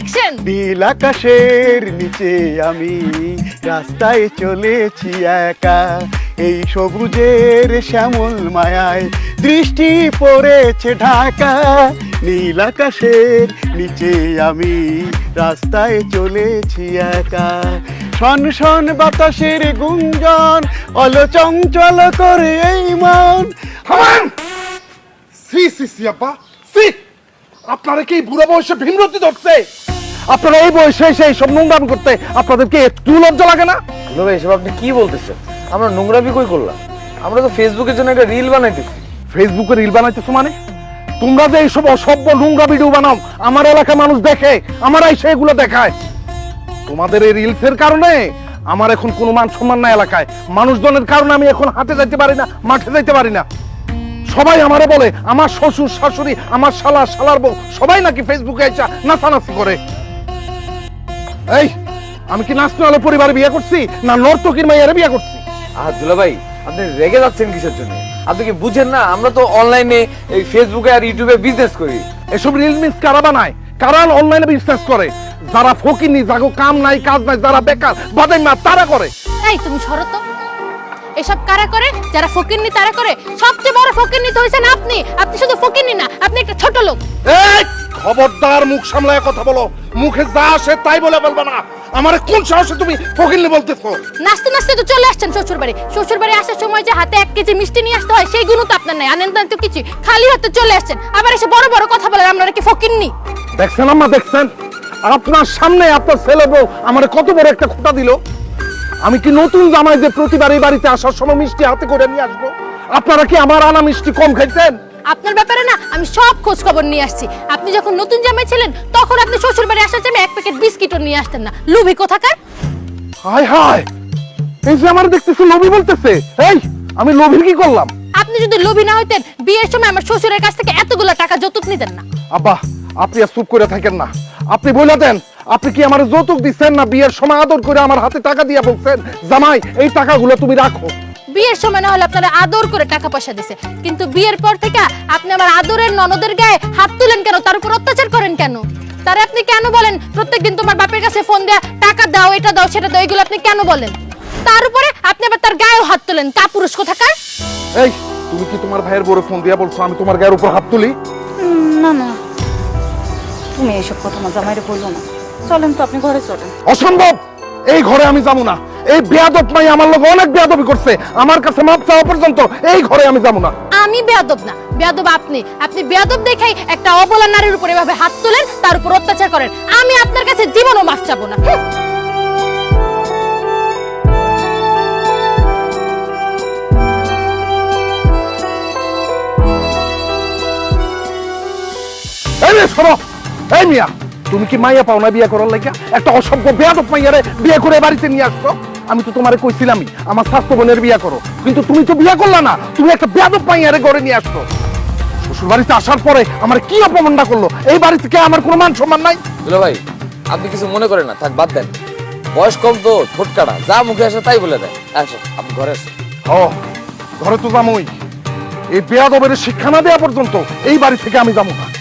Action. নীল আকাশের নিচে আমি রাস্তায় চলেছি একা, এই সবুজের শ্যামল মায়ায় দৃষ্টি পড়েছে ঢাকা। নীল আকাশের নিচে আমি রাস্তায় চলেছি একা, শন শন বাতাসের গুঞ্জন অলচঞ্চল করে এই মন। সি সি সি আপা সি, আপনারা কি বুড়ো বয়সে ভীমরতি ধরছে? আপনারা এই বয়সে এসে এইসব নোংরামি করতে আপনাদেরকে একটু লজ্জা লাগে না? ভাই এসব আপনি কি বলতেছেন? আমরা নোংরামি কই করলাম? আমরা তো ফেসবুকের জন্য একটা রিল বানাইতেছি। ফেসবুকে রিল বানাইতেছো মানে? তোমরা যে এইসব অসভ্য নোংরা ভিডিও বানাও, আমার এলাকার মানুষ দেখে, আমারাই সেগুলো দেখায়। তোমাদের এই রিলসের কারণে আমার এখন কোনো মান সম্মান না এলাকায়। মানুষজনের কারণে আমি এখন হাটে যাইতে পারি না, মাঠে যাইতে পারি না। সবাই আমারে বলে আমার শ্বশুর শাশুড়ি, আমার শালা শালার বউ সবাই নাকি ফেসবুকে এসে নাচানাচি করে। এই আমি কি নাচনালে পরিবারে বিয়ে করছি না নর্তকীর মাইয়ারে বিয়ে করছি? দুলা ভাই আপনি রেগে যাচ্ছেন কিসের জন্য? আপনি কি বুঝেন না আমরা তো অনলাইনে এই ফেসবুকে আর ইউটিউবে বিজনেস করি। এসব রিল মিস কারা বানায়? কারা অনলাইনে বিজনেস করে? যারা ফকিনি, যাগো কাম নাই কাজ নাই, যারা বেকার বাদাই মা তারা করে। এই তুমি সরো তো। এসব কারা করে? যারা ফকিন্নি তারা করে। সবচেয়ে বড় ফকিন্নি তো হইছেন আপনি। আপনি শুধু ফকিন্নি না, আপনি একটা ছোট লোক। এই খবরদার মুখ সামলায় কথা বলো। মুখে যা আসে তাই বলে বলবা না। আমারে কোন সাহসে তুমি ফকিন্নি বলতেছো? নাচতে নাচতে তো চলে আসছেন শ্বশুর বাড়ি। শ্বশুর বাড়ি আসার সময় যে হাতে 1 কেজি মিষ্টি নিয়ে আসতে হয় সেই গুণ তো আপনার নাই। আনেন তো কিছু, খালি হাতে চলে আসছেন। আবার এসে বড় বড় কথা বলেন আপনারা কি ফকিন্নি? দেখছেন আম্মা, দেখছেন আপনার সামনে আপনার ছেলে বউ আমারে কত বড় একটা খোঁটা দিল। আমি কি নতুন জামাই যে প্রতিবার এই বাড়িতে আসার সময় মিষ্টি হাতে করে নিয়ে আসবো? আপনারা কি আমার আনা মিষ্টি কম খাইতেন? আপনার ব্যাপারে না আমি সব খোঁজ খবর নিয়ে আসছি। আপনি যখন নতুন জামাই ছিলেন তখন আপনি শ্বশুর বাড়ি আসার সময় 1 প্যাকেট বিস্কিটও নিয়ে আসতেন না। লুভি কোথাকার। হায় হায়, এই যে আমার দেখতেছি লোভী বলতেছে। এই আমি লোভী কি করলাম? আপনি যদি লোভী না হইতেন বিয়ের সময় আমার শ্বশুরের কাছ থেকে এতগুলো টাকা যৌতুক নিতেন না। আব্বা আপনি আর চুপ করে থাকেন না। আপনি বলে দেন আপনি কি আমার যৌতুক দিচ্ছেন না বিয়ের সময় আদর করে আমার হাতে টাকা দিয়ে বলছেন জামাই এই টাকাগুলো তুমি রাখো? বিয়ের সময় না হলে আপনারা আদর করে টাকা পয়সা দিছে, কিন্তু বিয়ের পর থেকে আপনি আমার আদরের ননদের গায়ে হাত তুলেন কেন? তার উপর অত্যাচার করেন কেন? তারে আপনি কেন বলেন প্রত্যেকদিন তোমার বাপের কাছে ফোন দেয়া টাকা দাও, এটা দাও, সেটা দাও, এগুলো আপনি কেন বলেন? তার উপরে আপনি আবার তার গায়েও হাত তোলেন। কাপুরুষ কোথাকার। এই তুমি কি তোমার ভাইয়ের বড় ফোন দিয়া বলছো আমি তোমার গায়ের উপর হাত তুলি? না না, তুমি এইসব কথা না জামাইরে বললো না। চলেন তো, আপনি ঘরে চলেন। অসম্ভব, এই ঘরে আমি যাবো না। এই বেয়াদব মাই আমার লোক অনেক বেয়াদবি করছে, আমার কাছে মাপ চাওয়া পর্যন্ত এই ঘরে আমি যাবো না। আমি বেয়াদব না, বেয়াদব আপনি। আপনি বেয়াদব দেখাই একটা অবলা নারীর উপর এভাবে হাত তোলেন, তার উপর অত্যাচার করেন। আমি আপনার কাছে জীবনও মাফ চাবো না। এই মেয়ে শোনো, এই মিয়া তুমি কি মাইয়া পাও না বিয়ে করার লাগা? একটা অসভ্য বেয়াদব মাইয়ারে বিয়ে করে বাড়িতে নিয়ে আসছো। আমি তো তোমারে কইছিলামই আমার স্বাস্থ্য বোনের বিয়ে করো, কিন্তু তুমি তো বিয়ে করলা না। তুমি একটা বেয়াদব মাইয়ারে ঘরে নিয়ে আসছো। শ্বশুর বাড়িতে আসার পরে আমার কি অপমানটা করলো। এই বাড়ি থেকে আমার কোনো মান সম্মান নাই। দুলা ভাই আপনি কিছু মনে করেন না, থাক বাদ দেন। বয়স কম তো, ঠোঁট কাটা, যা মুখে আসে তাই বলে দেয়। আসো আপনি ঘরে আসেন। ও ঘরে তো যামই, এই বেয়াদবের শিক্ষা না দেওয়া পর্যন্ত এই বাড়ি থেকে আমি যাবো না।